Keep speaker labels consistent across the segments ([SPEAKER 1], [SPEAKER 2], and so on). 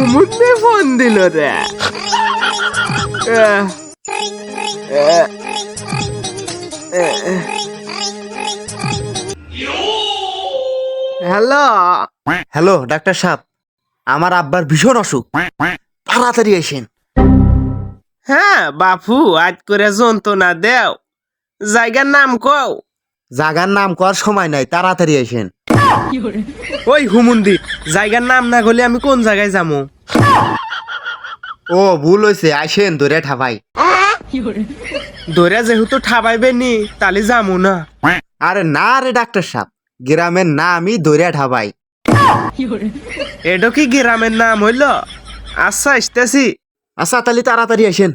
[SPEAKER 1] হুমুন্দি phone দিল রে। Hello
[SPEAKER 2] hello doctor সাহেব, আমার আব্বার ভীষণ অসুখ, তাড়াতাড়ি আসেন।
[SPEAKER 1] হ্যাঁ বাপু, আজ করে যন্ত্রণা দেও, জায়গার নাম কও।
[SPEAKER 2] জাগার নাম করার সময় নাই, তাড়াতাড়ি আসেন।
[SPEAKER 1] ওই হুমুন্দি, জায়গার নাম না গলে আমি কোন জায়গায় যাবো?
[SPEAKER 2] ও ভুল হয়েছে, আসেন ধরে ঠাপাই।
[SPEAKER 1] দৌড়া যেহেতু ঠাবাইবে নি, তালি যামু না।
[SPEAKER 2] আরে না রে ডাক্তার সাহেব, গ্রামের নামই ধরে ঠাপাই।
[SPEAKER 1] এটা কি গ্রামের নাম হইল? আচ্ছা আসতেছি।
[SPEAKER 2] আচ্ছা তাহলে তাড়াতাড়ি আসেন।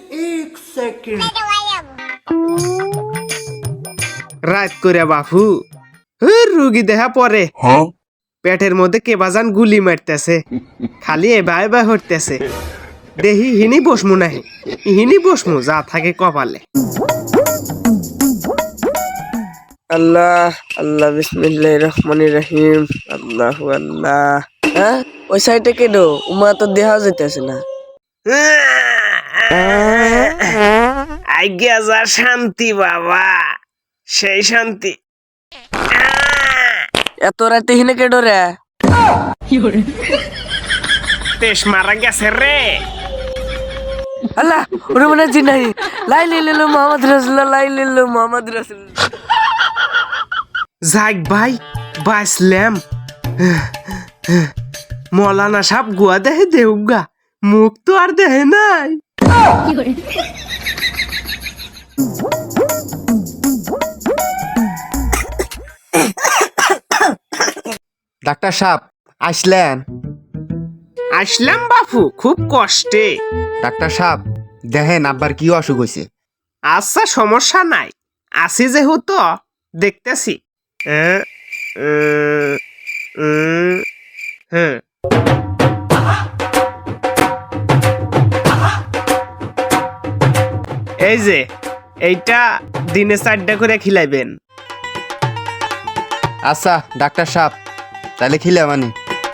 [SPEAKER 1] রাত করে বাপু, রুগী দেহা পরে পেটের মধ্যে কে বাজান গুলি মারতেছে, খালি এবা এবা হরতেছে। দেহি হিনি বসমু নাহি, হিনি বসমু যা থাকে কপালে। আল্লাহ আল্লাহ বিসমিল্লাহির রহমানির রহিম। আল্লাহু আল্লাহ।
[SPEAKER 3] হ্যাঁ, ওই সাইডে কেডো উমা তো দেখা যাইতেছে না।
[SPEAKER 1] আজ্ঞা যা শান্তি বাবা, সেই শান্তি।
[SPEAKER 3] এত রাতে হিনে কেডো রে?
[SPEAKER 1] তেস মারা গেছে রে।
[SPEAKER 3] আল্লাহ, ওরে মনে হচ্ছে নাই। লাই লিলো মোহাম্মদ রাসূলুল্লাহ, লাই লিলো মোহাম্মদ রাসূলুল্লাহ।
[SPEAKER 1] যাক ভাই, বাঁচলাম। মৌলানা সাহেব গুয়া দেহে দেউগা, মুখ তো আর দেহে নাই।
[SPEAKER 2] ডাক্তার সাহেব আসলেন?
[SPEAKER 1] আসলাম বাপু, খুব কষ্টে।
[SPEAKER 2] ডাক্তার সাহেব দেখেন আব্বার কি অসুখ হয়েছে।
[SPEAKER 1] আচ্ছা সমস্যা নাই, আসি যেহেতু দেখতেছি। হ্যাঁ। এই যে এইটা দিনে 4টা করে খিলাইবেন।
[SPEAKER 2] আচ্ছা ডাক্তার সাহেব, তাহলে খিলে মানি।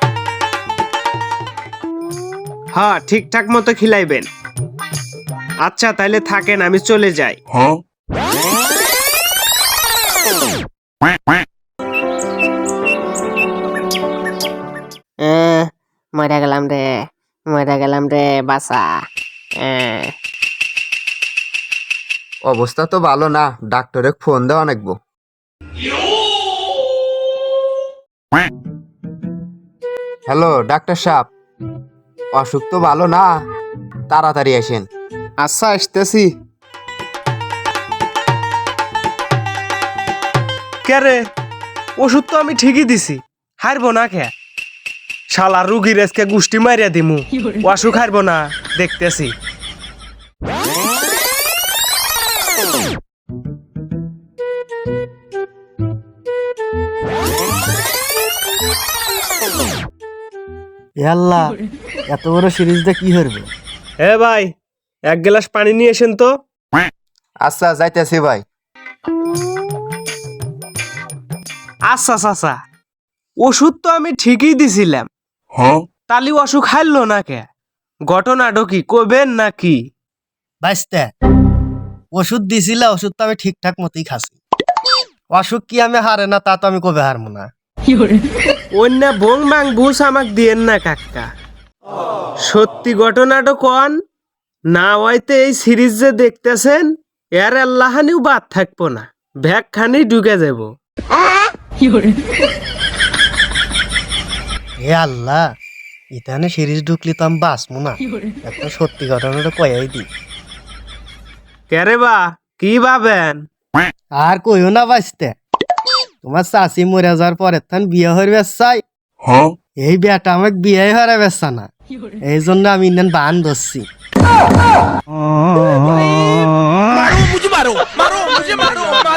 [SPEAKER 1] হ্যাঁ ঠিকঠাক মতো খিলাইবেন। আচ্ছা তাইলে থাকেন, আমি চলে যাই।
[SPEAKER 3] মরে গেলাম রে, মরে গেলাম রে বাসা।
[SPEAKER 2] অবস্থা তো ভালো না, ডাক্তারে ফোন দেওয়া নাকবো। হ্যালো ডাক্তার সাহেব, অসুখ তো ভালো না, তাড়াতাড়ি আসেন।
[SPEAKER 1] আচ্ছা আসতেছি। কে রে, ওষুধ তো আমি ঠিকই দিছি, হারবো না কে? শালা রুগীর আজকে গুষ্টি মারিয়া দিমু, অসুখ হারবো না, দেখতেছি।
[SPEAKER 2] আল্লাহ, এত বড় সিরিজটা কি করবে?
[SPEAKER 1] এ ভাই, এক গ্লাস পানি নিয়ে এসেন তো।
[SPEAKER 2] আচ্ছা যাইতেছি ভাই।
[SPEAKER 1] আচ্ছা চাচা, ওষুধ তো আমি ঠিকই দিছিলাম, তালি অসুখ হারলো না কে? ঘটনাটা কি কবেন নাকি?
[SPEAKER 4] বাইসতে ওষুধ দিছিল, ওষুধ তো আমি ঠিকঠাক মতোই খাচ্ছি। অসুখ কি আমি হারে না তা তো আমি কবে হারবো না।
[SPEAKER 1] অন্য ভং মাং বুঝ আমাক দিয়েন না কাকা, সত্যি ঘটনাটা কন না হয়তো এই সিরিজ যে দেখতেছেন এর আল্লাহানিও বাদ থাকবো না, ভ্যাগ খানি ঢুকে যাব।
[SPEAKER 4] হে আল্লাহ, ইতানে সিরিজ ঢুকলি তো আমি বাঁচবো না। একটা সত্যি ঘটনাটা কয়াই দি।
[SPEAKER 1] কেরে বা কি ভাবেন?
[SPEAKER 4] আর কইও না বাইসতে, তোমার চাষি মরে যাওয়ার পরে থান বিয়ে হয়ে চাই, এই বিয়াটা আমাকে বিয়ে হয়ে বেসা না, এই জন্য আমি ইন্ডিয়ান বান ধরছি।
[SPEAKER 5] मारो मुझे मारो, मारो मुझे मारो।